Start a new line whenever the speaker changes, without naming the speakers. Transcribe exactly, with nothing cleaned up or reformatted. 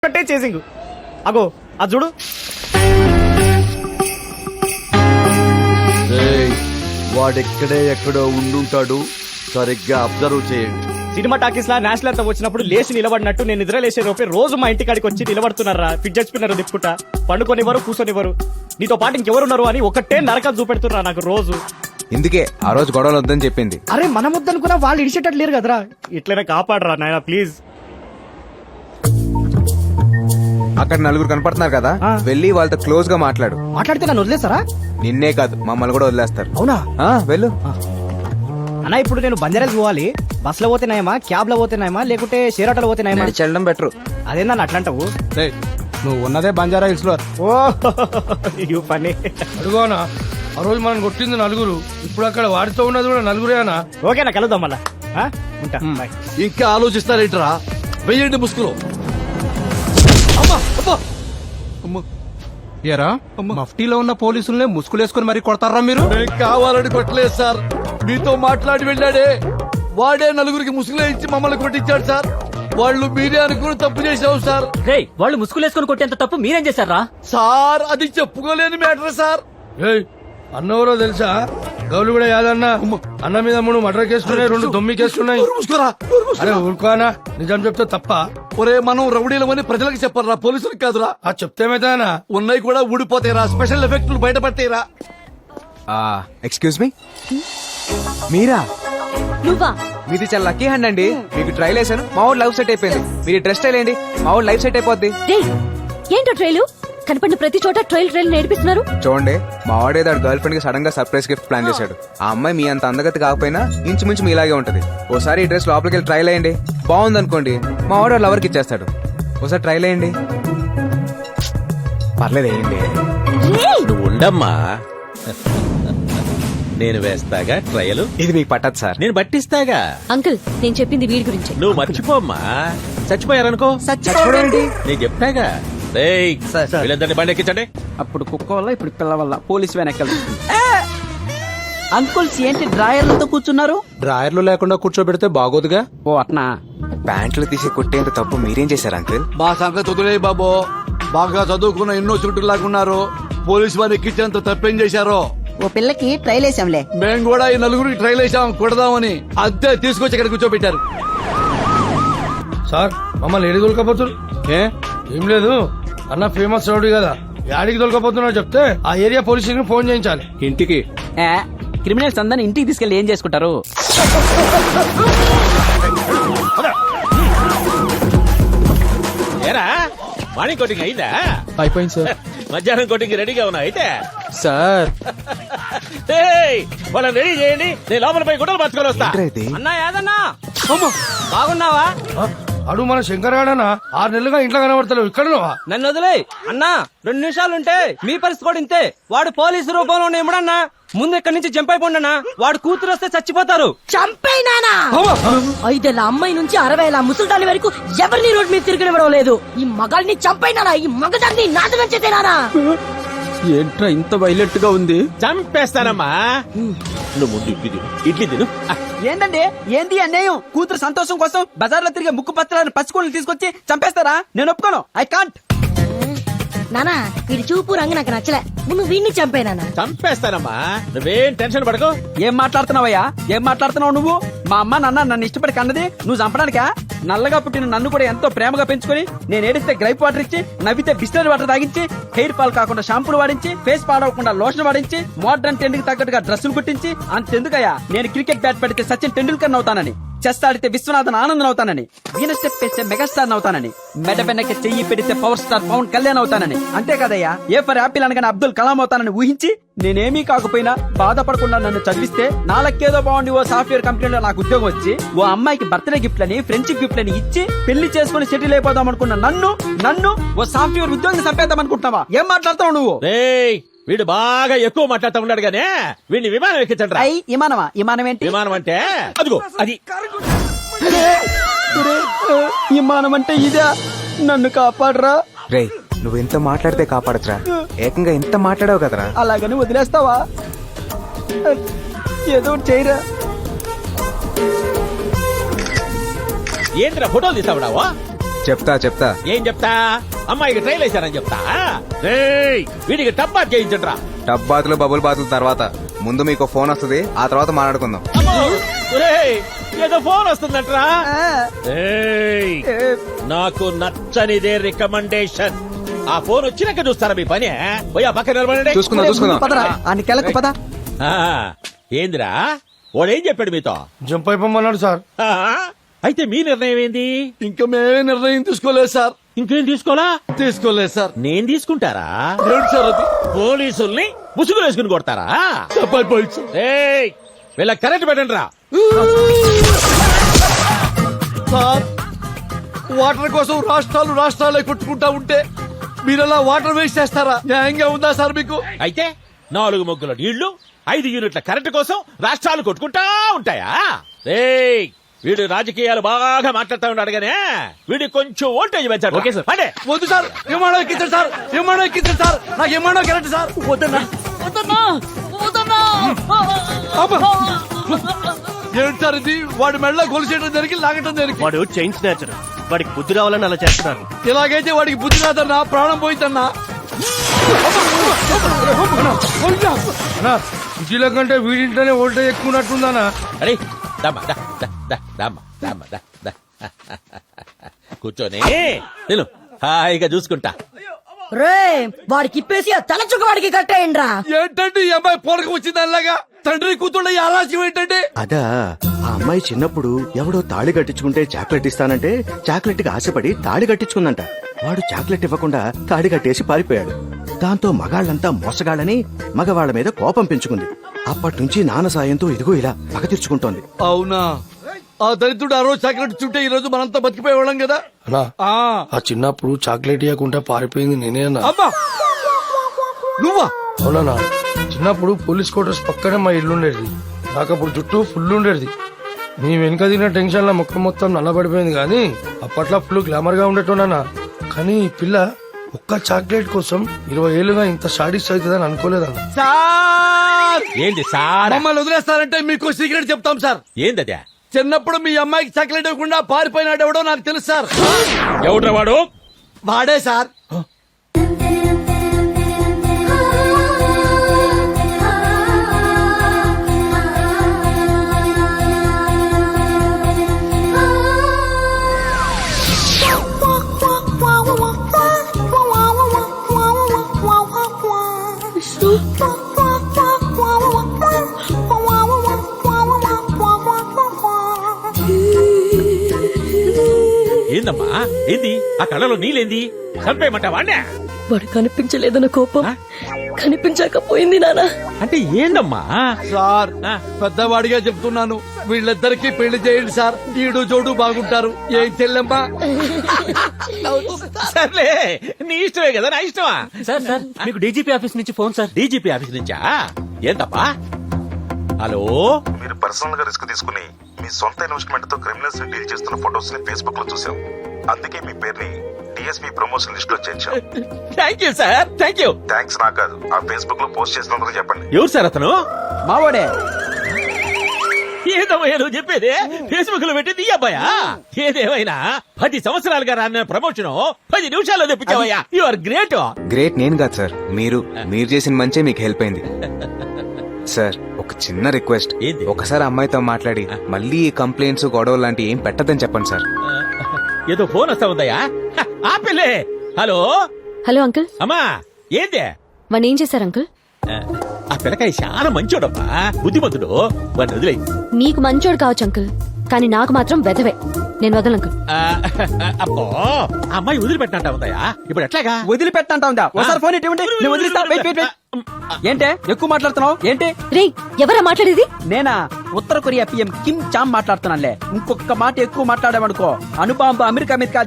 ఒకటే చేసింగ్ అగో అది చూడు.
వాడెక్కడే ఎక్కడో ఉండుంటాడు, సరిగ్గా అబ్జర్వ్ చేయండి.
సినిమా టాకీస్ లా నేషనల్ అంతా వచ్చినప్పుడు లేచి నిలబడినట్టు నేను నిద్ర లేచే లోపే రోజు మా ఇంటి కాడికి వచ్చి నిలబడుతున్నారా, ఫిట్ చచ్చిపోయినారు దిప్పుకుంటా, పండుకొనివ్వరు కూర్చొనివ్వరు, నీతో పాటు ఇంకెవరున్నారు అని ఒకటే నరకం చూపెడుతున్నా నాకు రోజు.
ఇందుకే ఆ రోజు గొడవలు వద్దని చెప్పింది.
అరే మనం వద్దనుకున్నా వాళ్ళు ఇడిచేటట్టు లేరు కదరా, ఇట్లనే కాపాడరా నాయన ప్లీజ్.
అక్కడ నలుగురు కనపడుతున్నారు కదా,
ఆ.
వెళ్ళి వాళ్ళతో క్లోజ్ గా మాట్లాడు.
మాట్లాడితే నన్ను వదిలేస్తారా?
నిన్నే కాదు మమ్మల్ని కూడా వదిలేస్తారు.
అవునా?
ఆ, వెళ్ళు.
అన్నా ఇప్పుడు నేను బంజారాస్ పోవాలి, బస్ లో పోతేనాయమా, క్యాబ్ లో పోతేనాయమా, లేకుంటే షేర్ ఆటోలో పోతేనాయమా?
చెల్లడం బెటర్.
అదేందా అట్లాంటావు?
నువ్వు ఉన్నదే బంజారా హిల్స్ లో.
ఓ యూ ఫన్నీ.
అడుగోనా, ఆ రోజు మనం కొట్టింది నలుగురు, ఇప్పుడు అక్కడ వాడితో ఉన్నది కూడా నలుగురేనా?
ఓకేనా, కలుద్దాం మళ్ళా. ఆ? ఉంటా, బాయ్.
ఇంకా ఆలోచిస్తారేంట్రా, వెయ్యండి ముసుగులో.
ఏరా మఫ్టీలో ఉన్న పోలీసుల్ని ముసుగులేసుకుని మరి కొడతారా మీరు?
నేను కావాలని కొట్టలేదు సార్, మీతో మాట్లాడి వెళ్ళాడే వాడే నలుగురికి ముసుగులో ఇచ్చి మమ్మల్ని కొట్టించాడు సార్. వాళ్ళు మీరే అనుకుని తప్పు చేసావు సార్.
రేయ్ వాళ్ళు ముసుగులేసుకుని కొట్టేంత తప్పు మీరేం చేశారా?
సార్ అది చెప్పుకోలేని మ్యాటర్ సార్.
ఏయ్ అన్నవరో తెలుసా? గౌలు కూడా యాదన్న అన్న మీద మూడు మటర్ కేసుకున్నాయి, రెండు దొమ్మి కేసుకున్నాయి.
ముసుకురా.
అరే ఊరుకోనా, నిజం చెప్తే తప్ప?
ఒరే మనం రౌడీలమని ప్రజలకు చెప్పరా, పోలీసులకు కాదురా.
ఆ చెప్తేమైతేనా
ఉన్నాయి కూడా ఊడిపోతాయిరా, స్పెషల్ ఎఫెక్టులు బయటపడతాయిరా.
ఎక్స్క్యూజ్ మీ, మీరా?
నువ్వా?
మీది చాలా లక్కీ హ్యాండ్ అండి, మీకు ట్రైల్ వేసాను, మా ఊరు లైఫ్ సెట్ అయిపోయింది. మీరు డ్రెస్ స్టైల్ ఏంటి, మా ఊరు లైఫ్ సెట్ అయిపోద్ది.
రేయ్ ఏంటో ట్రైలు కనపడిన ప్రతి చోట ట్రైల్ ట్రైల్ నేర్పిస్తున్నారు.
చూడండి, మా వాడేదో గర్ల్ ఫ్రెండ్ కి సడన్ గా సర్ప్రైజ్ గిఫ్ట్ ప్లాన్ చేశాడు. ఆ అమ్మాయి మీ అంత అందగతి కాకపోయినా ఇంచుమించు మీ ఇలాగే ఉంటది. ఓసారి ఈ డ్రెస్ లోపలికి వెళ్ళి ట్రైల్ అయ్యండి, బాగుంది అనుకోండి మా వాడు లవర్కి ఇచ్చేస్తాడు. ఒకసారి ట్రైల్ అయ్యండి, పర్లేదు వేయండి.
నువ్వు ఉండమ్మా, నేను వేస్తాగా ట్రయలు.
ఇది మీకు పట్టదు సార్.
నేను పట్టిస్తాగా.
అంకుల్ నేను చెప్పింది వీడి గురించి.
నువ్వు మర్చిపోమ్మా, చచ్చిపోయారనుకో నేను చెప్తాగా. రేయ్ వీళ్ళందరినీ బండి ఎక్కించండి.
అప్పుడు కుక్క వల్ల ఇప్పుడు పిల్ల వల్ల పోలీసు వెనకాల. అంకుల్స్ ఏంటి డ్రాయర్లతో కూర్చున్నారు?
డ్రాయర్లు లేకుండా కూర్చోబెడితే బాగోదుగా.
ఓ అట్నా.
ప్యాంట్లు తీసి కొట్టేంత తప్పు మీరేం చేశారు అంకుల్?
మా సంగతి వదిలే బాబు, బాగా చదువుకున్న ఎన్నో చుట్టూ లాగున్నారు, పోలీసు వారు ఎక్కించేంత తప్పేం చేశారో.
ఓ పిల్లకి ట్రైల్ వేసాంలే.
మేము కూడా ఈ నలుగురికి ట్రైల్ వేసాం కొడదామని, అద్దె తీసుకొచ్చి ఇక్కడ కూర్చోబెట్టారు.
సార్ మమ్మల్ని ఏడి దొలకపోతున్నారు? ఏ ఏం లేదు, అన్న ఫేమస్ రౌడీ కదా, యాడికి దొలకపోతున్నా చెప్తే ఆ ఏరియా పోలీసులకు ఫోన్ చేయించాలి.
ఇంటికి
క్రిమినల్స్ అందరిని ఇంటికి తీసుకెళ్లి ఏం చేసుకుంటారు?
ఏరా మార్నింగ్ కోటింగ్ అయిందా?
అయిపోయింది సార్.
మధ్యాహ్నం కోటింగ్ రెడీగా ఉన్నా అయితే
సార్
ఏయ్, వాళ్ళని రెడీ చేయండి, నేను లోపల పోయి గుడ్డలు పట్టుకొని వస్తా.
ఇది
అన్నా యాదన్నా బాగున్నావా?
అడు మన శంకర్ గాడనా ఆరు నెలలుగా ఇంట్లో కనబడతలేవు, ఇక్కడ
నన్ను వదిలే అన్నా, రెండు నిమిషాలు ఉంటే మీ పరిస్థితి కూడా ఇంతే. వాడు పోలీసు రూపంలో ఇమ్మడన్నా, ముందు ఇక్కడి నుంచి జంప్ అయిపోండన్నా, వాడు కూతురు వస్తే చచ్చిపోతారు.
చంపైనానా? ఐదేళ్ల అమ్మాయి నుంచి అరవై ఏళ్ళ ముసల్దాని వరకు ఎవరిని రోడ్ మీద తిరగనివ్వడం లేదు. ఈ మగాల్ని చంపైనానా? ఈ మగదాన్ని నాశనం చేసేనానా?
ఏంట్రా ఇంత వైలెంట్ గా ఉంది?
చంపేస్తానమ్మా. నువ్వు ముందు ఇడ్లీ తిను, ఇడ్లీ తిను.
ఏంటండి ఏంది అన్యాయం? కూతురు సంతోషం కోసం బజార్ లో తిరిగే ముక్కు పత్రాలను పచ్చుకోళ్ళు తీసుకొచ్చి చంపేస్తారా? నేను ఒప్పుకోను, ఐ కాంట్.
నానా వీడి చూపు రంగు నాకు నచ్చలే, ముందు వీడిని చంపేనానా?
చంపేస్తానమ్మా, నువ్వేం టెన్షన్ పడకు.
ఏం మాట్లాడుతున్నావయ్యా? ఏం మాట్లాడుతున్నావు నువ్వు? మా అమ్మ నాన్న నన్ను ఇష్టపడి కన్నది నువ్వు చంపడానికా? నల్లగా పుట్టిన నన్ను కూడా ఎంతో ప్రేమగా పెంచుకొని, నేను ఏడిస్తే గ్రైప్ వాటర్ ఇచ్చి, నవ్వితే బిస్లరీ వాటర్ తాగించి, హెయిర్ ఫాల్ కాకుండా షాంపూలు వాడించి, ఫేస్ పాడవకుండా లోషన్ వాడించి, మోడర్న్ ట్రెండ్ కి తగ్గట్టుగా డ్రెస్సులు కుట్టించి, అంతెందుకయ్యా నేను క్రికెట్ బ్యాట్ పెడితే సచిన్ టెండూల్కర్ అవుతానని, చెస్ ఆడితే విశ్వనాథన్ ఆనందన్ అవుతానని, వీణ స్టెప్ వేస్తే మెగాస్టార్ అవుతానని, మెడ వెనక చెయ్యి పెడితే పవర్ స్టార్ పవన్ కళ్యాణ్ అవుతానని, అంతే కదయ్యా ఏ ఫర్ యాపిల్ అనగానే అబ్దుల్ కలాం అవుతానని ఊహించి, నేనేమీ కాకపోయినా బాధపడకుండా నన్ను చదివిస్తే నాలకేదో బాగుండి ఓ సాఫ్ట్వేర్ కంపెనీలో నాకు ఉద్యోగం వచ్చి, ఓ అమ్మాయికి బర్త్డే గిఫ్ట్ లని ఫ్రెండ్షిప్ గిఫ్ట్ అని ఇచ్చి, పెళ్లి చేసుకుని సెటిల్ అయిపోదాం అనుకున్న నన్ను నన్ను ఓ సాఫ్ట్వేర్ ఉద్యోగం చంపేద్దాం అనుకుంటున్నావా? ఏం మాట్లాడతావు నువ్వు?
రేయ్ వీడు బాగా ఎక్కువ మాట్లాడుతూ ఉన్నాడు గానే, వీడిని విమానం ఎక్కించండి రా.
అయ్యి విమానమా? విమానం ఏంటి?
విమానం అంటే అదిగో అది.
విమానం అంటే ఇదే? నన్ను కాపాడరా.
రే నువ్వు ఎంత మాట్లాడితే కాపాడచ్చురా, ఏకంగా ఎంత మాట్లాడావు కదరా.
అలాగని వదిలేస్తావా? ఏదో చేయరా.
ఏంద్రా ఫోటోలు తీసావుడావా?
చెప్తా చెప్తా
ఏం చెప్తా అమ్మాయికి ట్రైల్ వేశారని చెప్తా రేయ్, వీడికి టబ్బా చేయించండ్రా.
టబ్ బాతులు బబుల్ బాతులు తర్వాత ముందు మీకు ఫోన్ వస్తుంది ఆ తర్వాత మాట్లాడుకుందాం.
అమ్మో, రేయ్, ఏదో ఫోన్ వస్తుందంట్రా. రేయ్, నాకు నచ్చనిదే రికమెండేషన్. ఆ ఫోన్ వచ్చినాక చూస్తారా మీ పని? పోయి ఆ పక్కన నిలబడండి.
చూసుకుందాం చూసుకుందాం.
పదరా అని కెలకు పద.
ఆ, ఏందిరా వాడేం చెప్పాడు మీతో?
జంప్ అయిపోమన్నాడు సార్.
ఆ, అయితే మీ నిర్ణయం ఏంది?
ఇంకా మేమే నిర్ణయం తీసుకోలేదు సార్.
ఇంకేం తీసుకోలా?
తీసుకోలేదు సార్.
నేను తీసుకుంటారా?
ఏంటి సార్ అది?
పోలీసుల్ని ముసుగులు వేసుకుని కొడతారా?
చెప్పాలి పోయింది సార్.
ఏయ్, వీళ్ళ కరెంట్ పెట్టండి రా.
సార్, వాటర్ కోసం రాష్ట్రాలు రాష్ట్రాలే కొట్టుకుంటా ఉంటే మీరలా వాటర్ వేస్ట్ చేస్తారా? న్యాయంగా ఉందా సార్ మీకు?
అయితే నాలుగు మొగ్గుల నీళ్లు ఐదు యూనిట్ల కరెంటు కోసం రాష్ట్రాలు కొట్టుకుంటా ఉంటాయా? రేయ్, వీడు రాజకీయాలు బాగా మాట్లాడుతూ ఉన్నాడు గానే వీడి కొంచెం ఓల్టేజ్ పెంచాడు. ఓకే సార్, అంటే
వద్దు సార్. విమానం ఎక్కించండి సార్. విమానం ఎక్కించండి సార్. నాకు విమానం కరెక్ట్ సార్.
వద్దన్నా.
ఏంటి సార్ ఇది? వాడి మెడలో గొలుసేయడం జరిగి లాగటం జరిగి
వాడు చైన్ స్నాచర్. వాడికి బుద్ధి రావాలని అలా చేస్తున్నారు.
ఇలాగైతే వాడికి బుద్ధి రాదన్నా, ప్రాణం పోయిందన్నా.
అన్నా సిటీలో కంటే వీడింటనే ఓల్టేజ్ ఎక్కువ ఉన్నట్టుందన్నా.
అరే దమ్మా, దా, దా, దా, దమ్మా, దమ్మా, దా, దా. కూర్చొని నేను హాయిగా చూసుకుంటా.
రే వాడికి ఇప్పేసి ఆ తల చుక్క వాడికి కట్టేయండిరా.
ఏంటంటే ఈ అమ్మాయి పోరక వచ్చింది అలాగా? తండ్రి కూతుళ్ళ ఈ ఆలస్యం ఏంటంటే?
అదా ఆ అమ్మాయి చిన్నప్పుడు ఎవడో తాళి కట్టించుకుంటే చాక్లెట్ ఇస్తానంటే చాక్లెట్ కి ఆశపడి తాళి కట్టించుకుందంట. వాడు చాక్లెట్ ఇవ్వకుండా తాళి కట్టేసి పారిపోయాడు. దాంతో మగాళ్ళంతా మోసగాళ్ళని మగవాళ్ల మీద కోపం పెంచుకుంది. అప్పటి నుంచి నాన్న సాయంతో ఇదిగో ఇలా పగ తీర్చుకుంటోంది.
అవునా? ఆ దరిద్రుడు ఆ రోజు చాక్లెట్ చుట్టే ఈ రోజు మనంతా బతికిపోయేవాళ్ళం కదా.
అన్నా
ఆ
ఆ చిన్నప్పుడు చాక్లెట్ ఇవ్వకుండా పారిపోయింది నేనే అన్నా.
అమ్మా, నువ్వా?
అవునన్నా, చిన్నప్పుడు పోలీస్ క్వార్టర్స్ పక్కనే మా ఇల్లు ఉండేది. నాకు అప్పుడు జుట్టు ఫుల్ ఉండేది. నీ వెనుక తిన్న టెన్షన్ లో ముఖం మొత్తం నల్లబడిపోయింది. కానీ అప్పట్లో ఫుల్ గ్లామర్ గా ఉండేటోనన్నా. కానీ ఈ పిల్ల ఒక్క చాక్లెట్ కోసం ఇరవై ఏళ్ళుగా ఇంత షాడిస్ట్ అవుతుందని అనుకోలేదన్నా.
సార్,
ఏంది సార్?
మమ్మల్ని వదిలేస్తారంటే మీకు సీక్రెట్ చెప్తాం సార్.
ఏందదే?
చిన్నప్పుడు మీ అమ్మాయికి చాక్లెట్ ఇవ్వకుండా పారిపోయినాడు ఎవడో నాకు తెలుసు సార్.
ఎవడ్రా వాడు?
వాడే సార్.
ఏందమ్మా ఏంది? ఆ కళ్ళలో నీళ్ళేంది? చంపేయమంటా వాణ్ణే?
వాడు కనిపించలేదన్న కోపం కనిపించకపోయింది నానా.
అంటే ఏందమ్మా?
సార్,
ఆ.
పెద్దవాడిగా చెప్తున్నాను, వీళ్ళిద్దరికి పెళ్లి చేయండి సార్. ఈడు జోడు బాగుంటారు. ఏం చెల్లెమ్మా?
సర్లే, నీ ఇష్టమే కదా, నా ఇష్టమా?
సార్ సార్ మీకు డీజీపీ ఆఫీస్ నుంచి ఫోన్ సార్.
డీజీపీ ఆఫీస్ నుంచా? ఏందమ్మా? హలో,
మీరు పర్సనల్ గా రిస్క్ తీసుకుని మీ సొంత ఇన్వెస్ట్మెంట్ తో క్రిమినల్స్ ని డీల్ చేస్తున్న ఫోటోస్ ని ఫేస్బుక్ లో చూసాం. అందుకే మీ పేరుని డిఎస్పీ ప్రమోషన్ లిస్ట్ లో చేర్చాం.
Thank you sir, thank you.
Thanks నాకు కాదు, ఆ ఫేస్బుక్ లో పోస్ట్ చేసినందుకు చెప్పండి.
ఎవరు సార్ అతను?
మావాడే.
ఏదమ్మయ్యా నువ్వు చెప్పేది? ఫేస్బుక్ లో పెట్టింది ఈ అబ్బాయా? ఏదేమైనా పది సంవత్సరాలుగా రాన్న ప్రమోషన్ పది నిమిషాల్లో తెప్పించావయ్యా. You are great.
గ్రేట్ నేను కాదు సార్, మీరు మీరు చేసిన మంచే మీకు హెల్ప్ అయింది. సార్, ఒక చిన్న రిక్వెస్ట్.
ఏంది?
ఒకసారి అమ్మాయితో మాట్లాడి మళ్ళీ ఈ కంప్లైంట్స్ గొడవలు లాంటి ఏం పెట్టదని చెప్పండి సార్.
ఏదో ఫోన్ వస్తా ఉందయ్యా. హ, ఆపిల్లే. Hello
hello uncle.
అమ్మా, ఏందే?
వాడిని ఏం చేశారు అంకుల్?
ఆ పిల్లకాయ చాలా మంచోడమ్మా, బుద్ధిమంతుడు. వాడిని వదిలే.
మీకు మంచోడు కావచ్చు అంకుల్, కానీ నాకు మాత్రం వెధవే. నేను వదలను అంకుల్.
అబ్బో, ఆ అమ్మాయి వదిలిపెట్టినట్ట ఉందయ్యా. ఇప్పుడు ఎట్లాగా?
వదిలిపెట్టంటా ఉందా? ఒకసారి ఫోన్ ఇటువంటి నేను వదిలిస్తా. Wait wait wait. ఏంటే ఎక్కువ మాట్లాడుతున్నావు ఏంటి?
రే ఎవరా మాట్లాడేది?
నేనా? ఉత్తర కొరియా పిఎం కిమ్ చామ్ మాట్లాడుతున్నానులే. ఇంకొక మాట ఎక్కువ మాట్లాడామనుకో అనుబాంబ అమెరికా మీద